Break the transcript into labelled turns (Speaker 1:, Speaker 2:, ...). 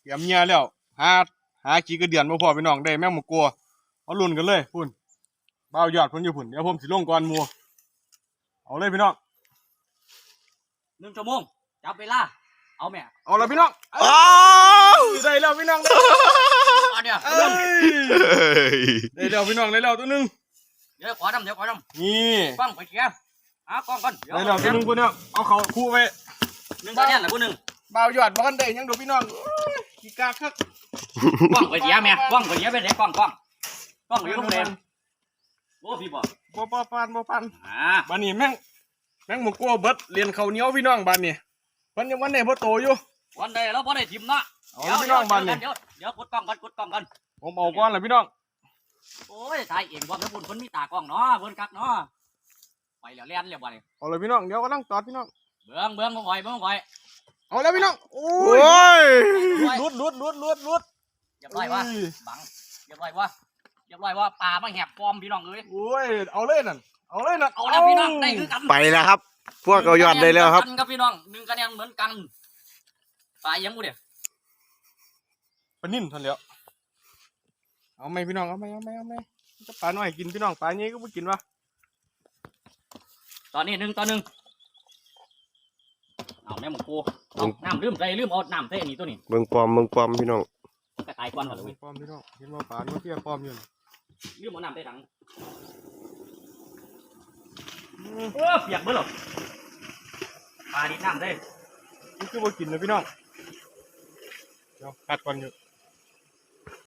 Speaker 1: เตรียมเงียแล้วหาขี้กระเดือนมาพอพี่น้องได้แม่งหมกกลัวเอาลุ่นกันเลยพุ่นเบายอดพุ่นอยู่พุ่นเดี๋ยวผมสิลงก่อนมัวเอาเลยพี่น้อง
Speaker 2: 1 ชั่วโมงจับเวลาเอาแม่
Speaker 1: เอาละพี่น้องได้แล้วพี่น้อง
Speaker 2: อันเนี้ย
Speaker 1: ได้แล้วพี่น้องได้แล้วตัวนึง
Speaker 2: เดี๋ยวขอดำ
Speaker 1: นี่
Speaker 2: กล้องไปเชียร์กล้องก่อน
Speaker 1: ได้แล้วตัวนึงพุ่นเนี่ยเอาเขาคู่ไป
Speaker 2: 1ตัวเนี่ยแหละ1
Speaker 1: เบายอดบ้านได้ยังดูพี่น้องขี้กาคัก
Speaker 2: กล้องไปเชียร์แม่กล้องไปเชียร์ไปไหนกล้องไปโรงเรียนโอ้พี่บอก
Speaker 1: บ่ปันบ้านนี้แม่งหมกกลัวเบิดเรียนเขาเหนียวพี่น้องบ้านนี้วันยังวันไหนพ่อโตอยู่
Speaker 2: วันใดแล้วพอได้ทิมเนาะ
Speaker 1: เดี๋ยวพี่น้องบ้านนี้
Speaker 2: เดี๋ยวกดกล้องกัน
Speaker 1: ผมเอาก้อนเลยพี่น้อง
Speaker 2: โอ้ยถ่ายเองว่าแล้วคนมีตากล้องเนาะเพิ่นคักเนาะไปแล้วเรียนเรียบร้อย
Speaker 1: เอาเลยพี่น้องเดี๋ยวก็ต้องตอดพี่น้อง
Speaker 2: เบื้องบ่ค่อย
Speaker 1: เอาแล้วพี่น้องโอ้ยลุด
Speaker 2: เรียบร้อยว่าบังเรียบร้อยว่าปลามาแหบฟอมพี่น้องเอ้ย
Speaker 1: โอ้ยเอาเลยนั่นเอา
Speaker 2: แล้วพี่น้องได้คือกัน
Speaker 3: ไปแล้วครับพวกเอายอดได้แล้วครับ
Speaker 2: ครับพี่น้อง1คะแนนเหมือนกันปลายังกูเด้
Speaker 1: ปลานิ่นทันแล้วเอาไหมพี่น้องเอาไหมจะปลาหน่อยกินพี่น้องปลานี้ก็ไม่กินวะ
Speaker 2: ตอนนี้1 ต่อ 1เอาแม่หมูกูน้ำลืมเอาน้ำใส่อันนี้ตัวนี้
Speaker 3: เบิ่งปอมพี่น้อง
Speaker 2: กระต่ายกวนก่อนเลย
Speaker 1: ปอมพี่น้องเห็นว่าปลาเที่ยปอมอยู่
Speaker 2: ลืมเอาน้ำใส่ถังเปียกเบ้อหรอปลาดิน้ำได้
Speaker 1: นี่คือว่ากินนะพี่น้องเดี๋ยวกัดก่อนอยู่